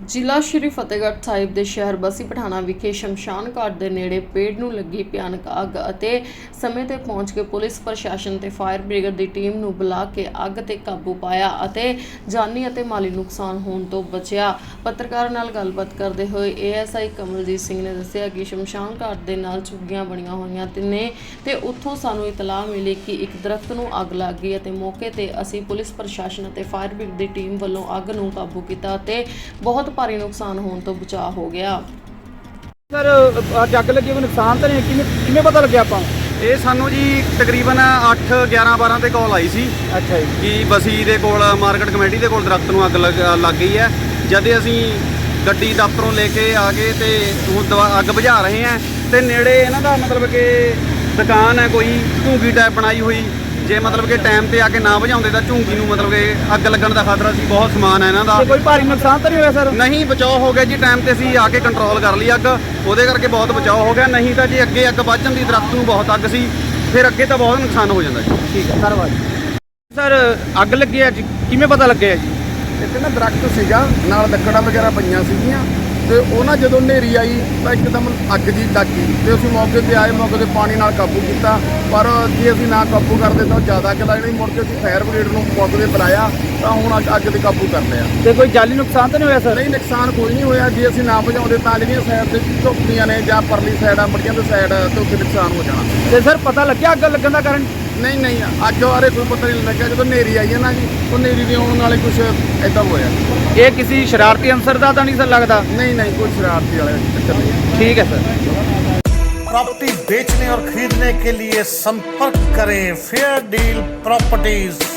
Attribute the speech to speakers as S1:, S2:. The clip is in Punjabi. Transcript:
S1: ਜ਼ਿਲ੍ਹਾ ਸ਼੍ਰੀ ਫਤਿਹਗੜ੍ਹ ਸਾਹਿਬ ਦੇ ਸ਼ਹਿਰ ਬਸੀ ਪਠਾਣਾ ਵਿਖੇ ਸ਼ਮਸ਼ਾਨ ਘਾਟ ਦੇ ਨੇੜੇ ਪੇੜ ਨੂੰ ਲੱਗੀ ਭਿਆਨਕ ਅੱਗ ਅਤੇ ਸਮੇਂ ਤੇ ਪਹੁੰਚ ਕੇ ਪੁਲਿਸ ਪ੍ਰਸ਼ਾਸਨ ਤੇ ਫਾਇਰ ਬ੍ਰਿਗੇਡ ਦੀ ਟੀਮ ਨੂੰ ਬੁਲਾ ਕੇ ਅੱਗ ਤੇ ਕਾਬੂ ਪਾਇਆ ਅਤੇ ਜਾਨੀ ਅਤੇ ਮਾਲੀ ਨੁਕਸਾਨ ਹੋਣ ਤੋਂ ਬਚਿਆ। ਪੱਤਰਕਾਰਾਂ ਨਾਲ ਗੱਲਬਾਤ ਕਰਦੇ ਹੋਏ ASI ਕਮਲਜੀਤ ਸਿੰਘ ਨੇ ਦੱਸਿਆ ਕਿ ਸ਼ਮਸ਼ਾਨ ਘਾਟ ਦੇ ਨਾਲ ਝੁੱਗੀਆਂ ਬਣੀਆਂ ਹੋਈਆਂ ਨੇ ਤੇ ਉੱਥੋਂ ਸਾਨੂੰ ਇਤਲਾਹ ਮਿਲੀ ਕਿ ਇੱਕ ਦਰਖਤ ਨੂੰ ਅੱਗ ਲੱਗ ਗਈ ਅਤੇ ਮੌਕੇ ਤੇ ਅਸੀਂ ਪੁਲਿਸ ਪ੍ਰਸ਼ਾਸਨ ਅਤੇ ਫਾਇਰ ਬ੍ਰਿਗੇਡ ਦੀ ਟੀਮ ਵੱਲੋਂ ਅੱਗ ਨੂੰ ਕਾਬੂ ਕੀਤਾ ਅਤੇ ਬਹੁਤ ਭਾਰੀ ਨੁਕਸਾਨ ਹੋਣ ਤੋਂ ਬਚਾਅ ਹੋ ਗਿਆ।
S2: ਸਰ ਅੱਜ ਅੱਗ ਲੱਗੀ ਕੋਈ ਨੁਕਸਾਨ ਤਾਂ ਨਹੀਂ ਕਿਵੇਂ ਪਤਾ ਲੱਗਿਆ ਆਪਾਂ?
S3: ਇਹ ਸਾਨੂੰ ਜੀ ਤਕਰੀਬਨ 8:11-12 ਤੇ ਕਾਲ ਆਈ ਸੀ।
S2: ਅੱਛਾ ਜੀ।
S3: ਕਿ ਬਸੀ ਦੇ ਕੋਲ ਮਾਰਕੀਟ ਕਮੇਟੀ ਦੇ ਕੋਲ ਦਰਖਤ ਨੂੰ ਅੱਗ ਲੱਗ ਗਈ ਹੈ। ਜਦ ਅਸੀਂ ਗੱਡੀ ਦਫ਼ਤਰੋਂ ਲੈ ਕੇ ਆ ਗਏ ਤੇ ਹੁਣ ਅੱਗ ਬੁਝਾ ਰਹੇ ਹਾਂ ਤੇ ਨੇੜੇ ਇਹਨਾਂ ਦਾ ਮਤਲਬ ਕਿ ਦੁਕਾਨ ਹੈ ਕੋਈ ਝੂੰਗੀ ਟਾਈਪ ਬਣਾਈ ਹੋਈ। ਜੇ ਮਤਲਬ ਕਿ ਟਾਈਮ ਤੇ ਆ ਕੇ ਨਾ ਬੁਝਾਉਂਦੇ ਤਾਂ ਝੂੰਗੀ ਨੂੰ ਮਤਲਬ ਕਿ ਅੱਗ ਲੱਗਣ ਦਾ ਖਤਰਾ ਸੀ। ਬਹੁਤ ਸਮਾਨ ਹੈ ਇਹਨਾਂ ਦਾ।
S2: ਕੋਈ ਭਾਰੀ ਨੁਕਸਾਨ ਤਾਂ ਨਹੀਂ ਹੋਇਆ ਸਰ?
S3: ਨਹੀਂ, ਬਚਾਓ ਹੋ ਗਿਆ ਜੀ। ਟਾਈਮ ਤੇ ਅਸੀਂ ਆ ਕੇ ਕੰਟਰੋਲ ਕਰ ਲਈ ਅੱਗ, ਉਹਦੇ ਕਰਕੇ ਬਹੁਤ ਬਚਾਓ ਹੋ ਗਿਆ। ਨਹੀਂ ਤਾਂ ਜੇ ਅੱਗੇ ਅੱਗ ਵੱਧ ਜਾਂਦੀ, ਦਰਖਤ ਨੂੰ ਬਹੁਤ ਅੱਗ ਸੀ, ਫਿਰ ਅੱਗੇ ਤਾਂ ਬਹੁਤ ਨੁਕਸਾਨ ਹੋ ਜਾਂਦਾ ਜੀ।
S2: ਠੀਕ ਹੈ ਧੰਨਵਾਦ। ਸਰ ਅੱਗ ਲੱਗੀ ਹੈ ਜੀ, ਕਿਵੇਂ ਪਤਾ ਲੱਗਿਆ ਜੀ?
S4: ਇੱਥੇ ਨਾ ਦਰਖਤ ਸੀਗਾ, ਨਾਲ ਲੱਕੜਾਂ ਵਗੈਰਾ ਪਈਆਂ ਸੀਗੀਆਂ ਤੇ ਉਹ ਨਾ ਜਦੋਂ ਹਨੇਰੀ ਆਈ ਤਾਂ ਇੱਕਦਮ ਅੱਗ ਜੀ ਲੱਗ ਗਈ ਤੇ ਅਸੀਂ ਮੌਕੇ ਤੇ ਆਏ, ਮੌਕੇ ਤੇ ਪਾਣੀ ਨਾਲ ਕਾਬੂ ਕੀਤਾ। ਪਰ ਜੇ ਅਸੀਂ ਨਾ ਕਾਬੂ ਕਰਦੇ ਤਾਂ ਜ਼ਿਆਦਾ ਅੱਗ ਲੱਗਣੀ। ਮੁੜ ਕੇ ਅਸੀਂ ਫਾਇਰ ਬ੍ਰਿਗੇਡ ਨੂੰ ਮੌਕੇ ਤੇ ਬੁਲਾਇਆ ਤਾਂ ਹੁਣ ਅੱਗ ਤੇ ਕਾਬੂ ਕਰ ਲਿਆ।
S2: ਤੇ ਕੋਈ ਜਾਨੀ ਨੁਕਸਾਨ ਤਾਂ ਨਹੀਂ ਹੋਇਆ ਸਰ?
S4: ਨਹੀਂ, ਨੁਕਸਾਨ ਕੋਈ ਨਹੀਂ ਹੋਇਆ। ਜੇ ਅਸੀਂ ਨਾ ਬੁਝਾਉਂਦੇ ਤਾਂ ਜਿਹੜੀਆਂ ਸਾਈਡ ਤੇ ਝੁੱਗੀਆਂ ਨੇ ਜਾਂ ਪਰਲੀ ਸਾਈਡ ਆ ਮੜੀਆਂ ਦੀ ਸਾਈਡ ਤੇ ਉੱਥੇ ਨੁਕਸਾਨ ਹੋ ਜਾਣਾ।
S2: ਤੇ ਸਰ ਪਤਾ ਲੱਗਿਆ ਅੱਗ ਲੱਗਣ ਦਾ ਕਾਰਨ?
S4: ਨਹੀਂ, ਅੱਗ ਬਾਰੇ ਕੋਈ ਪਤਾ ਨਹੀਂ ਲੱਗਿਆ। ਜਦੋਂ ਹਨੇਰੀ ਆਈ ਹੈ ਨਾ ਜੀ, ਉਹ ਹਨੇਰੀ ਦੇ ਆਉਣ ਨਾਲੇ ਕੁਝ ਇੱਦਾਂ ਹੋਇਆ।
S2: ਇਹ ਕਿਸੇ ਸ਼ਰਾਰਤੀ ਅਨਸਰ ਦਾ ਤਾਂ ਨਹੀਂ ਸਰ ਲੱਗਦਾ?
S4: नहीं, कोई शरारती वाला चक्कर नहीं।
S2: ठीक है सर।
S5: प्रॉपर्टी बेचने और खरीदने के लिए संपर्क करें फेयर डील प्रॉपर्टीज।